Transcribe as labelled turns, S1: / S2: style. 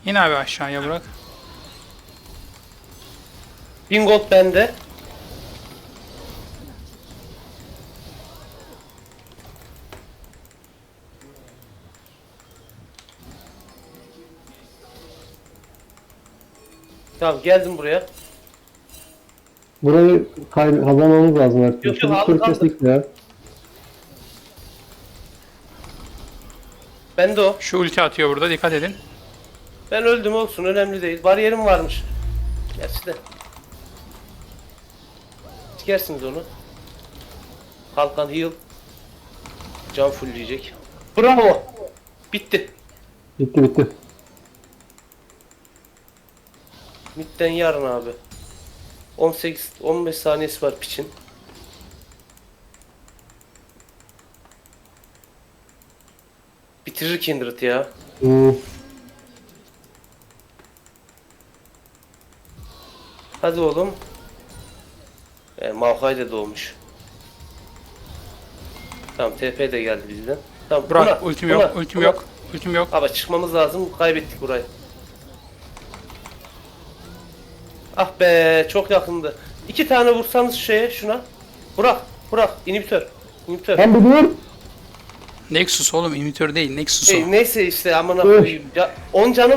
S1: İn abi aşağıya bırak.
S2: 1000 gold bende. Tamam geldim buraya.
S3: Burayı kazanmamız lazım artık.
S2: Yok, yok,
S3: Şu
S2: aldık,
S3: tur kestik ya.
S2: Bende o.
S1: Şu ulti atıyor burada, dikkat edin.
S2: Ben öldüm, olsun, önemli değil. Bariyerim varmış. Gerçi de. Sikersiniz onu. Kalkan heal. Can fullleyecek. Bravo. Bitti.
S3: Bitti bitti.
S2: Midden yarın abi. 18-15 saniyesi var piçin. Bitirir Kindred ya. Hadi oğlum. Maokai de doğmuş. Tamam, TP de geldi bizden. Tamam,
S1: Burak ultim yok, ultim yok. Ultim yok.
S2: Ama çıkmamız lazım. Kaybettik burayı. Ah be, çok yakındı. 2 tane vursanız şuna. Burak, inhibitör.
S3: Ben biliyorum.
S1: Nexus oğlum, imitör değil, Nexus o.
S2: Neyse işte, amına koyayım. 10 canım